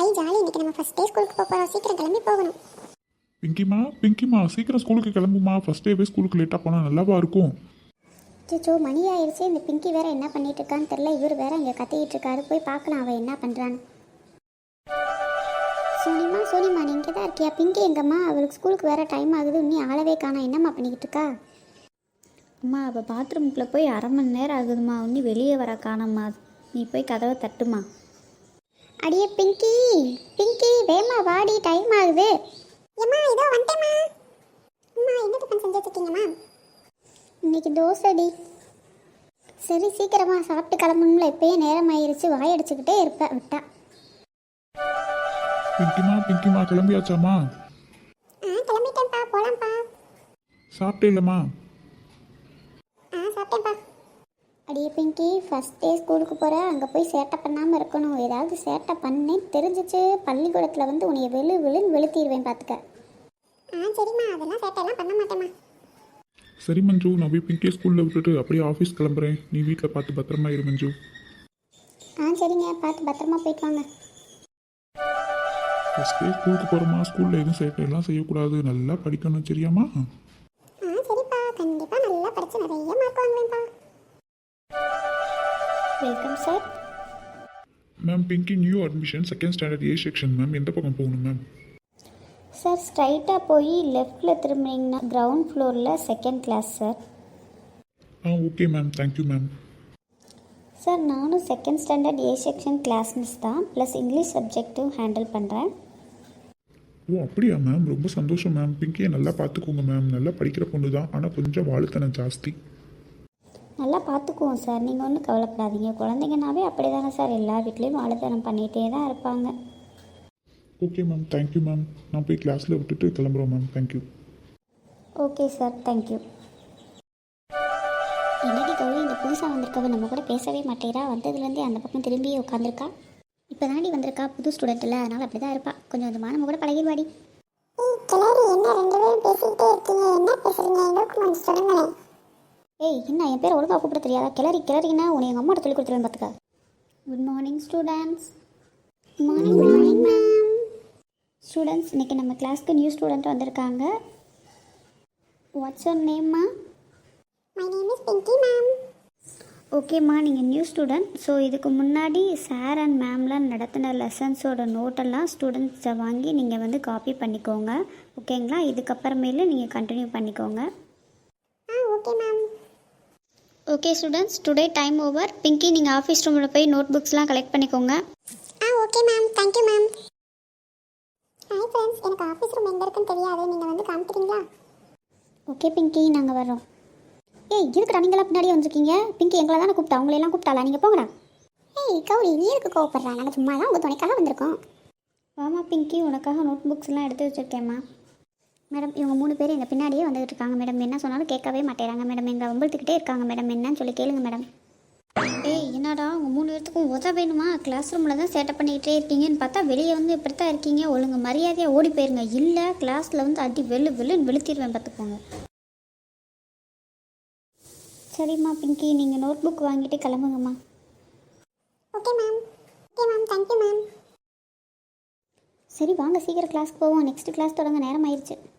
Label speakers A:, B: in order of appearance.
A: ஐ jolly, இன்னைக்கு நம்ம first day ஸ்கூலுக்கு போகிறோம். சீக்கிரம் கிளம்பி போகணும்.
B: பிங்கிமா சீக்கிரம் ஸ்கூலுக்கு கிளம்புமா. ஃபர்ஸ்ட் டேவே ஸ்கூலுக்கு லேட்டாக போனால் நல்லாவா இருக்கும்?
A: சிச்சோ, மணி ஆயிடுச்சு. இந்த பிங்கி வேற என்ன பண்ணிட்டு இருக்கான்னு தெரியல. இவர் வேற இங்கே கத்திக்கிட்டு இருக்காரு. போய் பார்க்கலாம் அவள் என்ன பண்ணுறான்னு. சோனிமா நீ இங்கே தான் இருக்கியா? பிங்கி எங்கம்மா? அவளுக்கு ஸ்கூலுக்கு வேற டைம் ஆகுது. இன்னும் ஆளவே காணா. என்னம்மா பண்ணிக்கிட்டு இருக்கா?
C: அம்மா அவள் பாத்ரூம்குள்ளே போய் அரை மணி நேரம் ஆகுதுமா. இன்னும் வெளியே வர காணம்மா. நீ போய் கதவை தட்டுமா.
A: அடியே பிங்கி வேமா வாடி, டைம் ஆகுது. ஏம்மா இதோ வந்துட்டேம்மா. அம்மா என்ன டிஃபன் செஞ்சு வச்சிருக்கீங்கம்மா? இன்னைக்கு தோசைடி. சரி சீக்கிரமா சாப்பிட்டு கிளம்பணும்ல. இப்பயே நேரம் ஆயிருச்சு. வாயடிச்சுக்கிட்டே இருப்பேன் விட்டா.
B: பிங்கிமா கிளம்பியாச்சாம்மா?
A: கிளம்பிட்டேன்ப்பா, போலாம்ப்பா.
B: சாப்பிட்டே இல்லைம்மா?
A: சாப்பிட்டேன்ப்பா. அடியே பிங்கி, ஃபர்ஸ்ட் டே ஸ்கூலுக்கு போகிற, அங்கே போய் சேட்டை பண்ணாமல் இருக்கணும். ஏதாவது சேட்டை பண்ணேன்னு தெரிஞ்சிச்சு பள்ளிக்கூடத்தில் வந்து உன்னைய வெளுன்னு வெளுத்திடுவேன் பார்த்துக்க. சரிம்மா, அதெல்லாம் சேட்டையெல்லாம் பண்ண மாட்டேம்மா.
B: சரி மஞ்சு, நான் போய் பிங்கியை ஸ்கூலில் விட்டுட்டு அப்படியே ஆஃபீஸ் கிளம்புறேன். நீ வீட்டில் பார்த்து பத்திரமா இரு மஞ்சு.
A: சரிங்க, பார்த்து பத்திரமா போயிட்டு வாங்க.
B: ஃபர்ஸ்ட் டே ஸ்கூலுக்கு போகிறோமா, ஸ்கூலில் எதுவும் சேட்டையெல்லாம் செய்யக்கூடாது, நல்லா படிக்கணும் சரியாம்மா?
A: சரிப்பா, கண்டிப்பாக நல்லா படித்து நிறைய மார்க் வாங்குவேன்ப்பா.
C: Welcome sir.
B: Ma'am Pinky new admission second standard A section ma'am. எந்த பக்கம் போகணும் மேம்?
C: சார் ஸ்ட்ரைட்டாக போய் லெஃப்டில் திரும்பினீங்கன்னா கிரவுண்ட் ஃப்ளோரில் second class sir.
B: Okay ma'am, thank you ma'am.
C: Sir நானும் second standard A section class miss தான், ப்ளஸ் இங்கிலீஷ் சப்ஜெக்ட்டும் ஹேண்டில் பண்ணுறேன்.
B: அப்படியா மேம், ரொம்ப சந்தோஷம் மேம். பிங்கியை நல்லா பார்த்துக்கோங்க மேம். நல்லா படிக்கிற பொண்ணு தான், ஆனால் கொஞ்சம் வாழுத்தனம் ஜாஸ்தி.
C: நல்லா பார்த்துக்குவோம் சார், நீங்கள் ஒன்றும் கவலைப்படாதீங்க. குழந்தைங்கனாவே அப்படி தானே சார், எல்லா வீட்லேயும் வாழைத்தனம் பண்ணிகிட்டே தான் இருப்பாங்க.
B: Okay ma'am, thank you ma'am. நான் போய் கிளாஸில் விட்டுட்டு கிளம்புறோம் மேம். தேங்க்யூ.
C: Okay sir, thank you.
A: என்னடி கௌரி, இந்த புதுசாக வந்திருக்கவ நம்ம கூட பேசவே மாட்டேறா. வந்ததுலேருந்தே அந்த பக்கம் திரும்பி உட்காந்துருக்கா. இப்போ தாண்டி வந்திருக்கா, புது ஸ்டூடெண்ட் இல்லை, அதனால் அப்படி தான் இருப்பா. கொஞ்சம் கொஞ்சமாக நம்ம கூட பழகிடுவாடி. ஏய் என்ன, என் பேர் ஒழுங்காக கூப்பிட தெரியாதா? கிளறிங்கன்னா உன்னை எங்கள் அம்மாட்ட சொல்லி கொடுத்துருவேன் பார்த்துக்க.
C: Good morning students.
A: Morning ma'am.
C: Students, இன்றைக்கி நம்ம கிளாஸ்க்கு நியூ ஸ்டூடெண்ட் வந்திருக்காங்க. வாட்ஸ் யுவர் நேம்மா?
A: My name is Pinky ma'am.
C: ஓகேம்மா, நீங்கள் நியூ ஸ்டூடெண்ட். ஸோ இதுக்கு முன்னாடி சார் அண்ட் மேம்லாம் நடத்தின லெசன்ஸோட நோட்டெல்லாம் ஸ்டூடெண்ட்ஸை வாங்கி நீங்கள் வந்து காப்பி பண்ணிக்கோங்க. ஓகேங்களா? இதுக்கப்புறமேல நீங்கள் கண்டினியூ பண்ணிக்கோங்க.
A: Okay ma'am.
C: Okay students, today time over. Pinky, நீங்கள் ஆஃபீஸ் ரூமில் போய் நோட் புக்ஸ்லாம் கலெக்ட் பண்ணிக்கோங்க.
A: Okay ma'am, thank you ma'am. Hi friends, எனக்கு ஆஃபீஸ் ரூம் எங்கே இருக்குன்னு தெரியாது. நீங்கள் வந்து காமிக்கிறீங்களா?
C: ஓகே பிங்கி, நாங்கள் வரோம்.
A: ஏய் இருக்குடா, நீங்களாம் பின்னாடியே வந்திருக்கீங்க. பிங்கி எங்களை தானே கூப்பிட்டா, உங்களையெல்லாம் கூப்பிட்டாளா? நீங்கள் போங்கடா. ஏய் கௌரி, நீ எதுக்கு கோவப்படுறா? நாங்கள் சும்மா தான் உங்கள் துணைக்காக வந்திருக்கோம்.
C: வாமா பிங்கி, உனக்காக நோட் புக்ஸ்லாம் எடுத்து வச்சுருக்கேம்மா.
A: மேடம், இவங்க 3 பேர் எங்கள் பின்னாடியே வந்துட்டு இருக்காங்க மேடம். என்ன சொன்னாலும் கேட்கவே மாட்டேறாங்க மேடம். எங்களை வம்பழுத்துக்கிட்டே இருக்காங்க மேடம். என்னன்னு சொல்லி கேளுங்க மேடம்.
C: ஏய் என்னடா, உங்கள் 3 பேர்த்துக்கும் உதவ வேணுமா? கிளாஸ் ரூமில் தான் சேட்டை பண்ணிக்கிட்டே இருக்கீங்கன்னு பார்த்தா வெளியே வந்து இப்படி தான் இருக்கீங்க. ஒழுங்கு மரியாதையாக ஓடி போயிருங்க. இல்லை கிளாஸில் வந்து அடி வெளுன்னு வெளுத்திடுவேன் பார்த்துக்கோங்க. சரிம்மா பிங்கி, நீங்கள் நோட் புக் வாங்கிட்டு கிளம்புங்கம்மா.
A: Okay ma'am, thank you ma'am.
C: சரி வாங்க, சீக்கிரம் கிளாஸ்க்கு போவோம். நெக்ஸ்ட் கிளாஸ் தொடங்க நேரம் ஆயிடுச்சு.